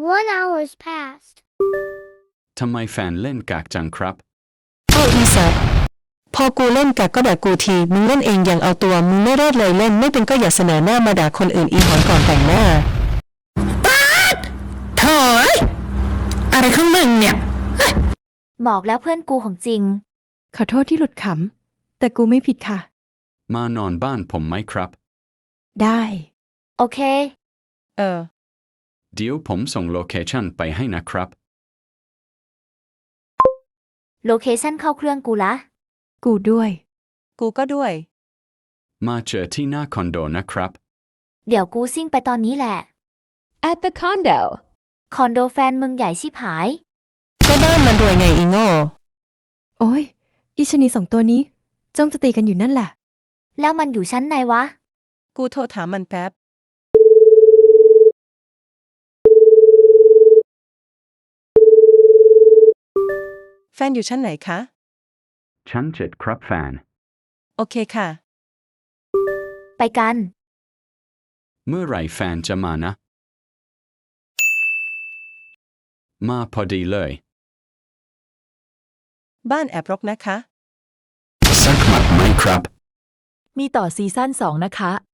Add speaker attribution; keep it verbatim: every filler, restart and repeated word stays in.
Speaker 1: One hour's passed.
Speaker 2: ทำไมแฟนเล่นกากจังครับ
Speaker 3: เอาอีสัตว์พอกูเล่นกักก็ด่ากูทีมึงเล่นเองยังเอาตัวมึงไม่รอดเลยเล่นไม่เป็นก็อย่าเสนอหน้ามาด่าคนอื่นอีหอนก่อนแต่งหน้าป๊าดโถ่อะไรของมึงเนี่ย
Speaker 4: บอกแล้วเพื่อนกูของจริง
Speaker 5: ขอโทษที่หลุดขำแต่กูไม่ผิดค่ะ
Speaker 2: มานอนบ้านผมไหมครับ
Speaker 5: ได้
Speaker 4: โอเค
Speaker 5: เออ
Speaker 2: เดี๋ยวผมส่งโลเคชั่นไปให้นะครับ
Speaker 4: โลเคชั่นเข้าเครื่องกูละ
Speaker 5: กูด้วย
Speaker 3: กูก็ด้วย
Speaker 2: มาเจอที่หน้าคอนโดนะครับ
Speaker 4: เดี๋ยวกูซิ่งไปตอนนี้แหละ
Speaker 6: At the condo
Speaker 4: คอนโดแฟนมึงใหญ่ชิบหาย
Speaker 3: ก็บ้านมันรวยไงอีโง่
Speaker 5: โอ้ยอีชนีสองตัวนี้จ้องจะตีกันอยู่นั่นแหละ
Speaker 4: แล้วมันอยู่ชั้นไหนวะ
Speaker 3: กูโทรถามมันแป๊บแฟนอยู่ชั้นไหนคะ
Speaker 2: ชั้นเจ็ดครับแฟน
Speaker 3: โอเคค่ะ
Speaker 4: ไปกัน
Speaker 2: เมื่อไหร่แฟนจะมานะมาพอดีเลย
Speaker 3: บ้านแอบรกนะคะ
Speaker 2: สักหมัดไหมครับ
Speaker 7: มีต่อซีซั่นสองนะคะ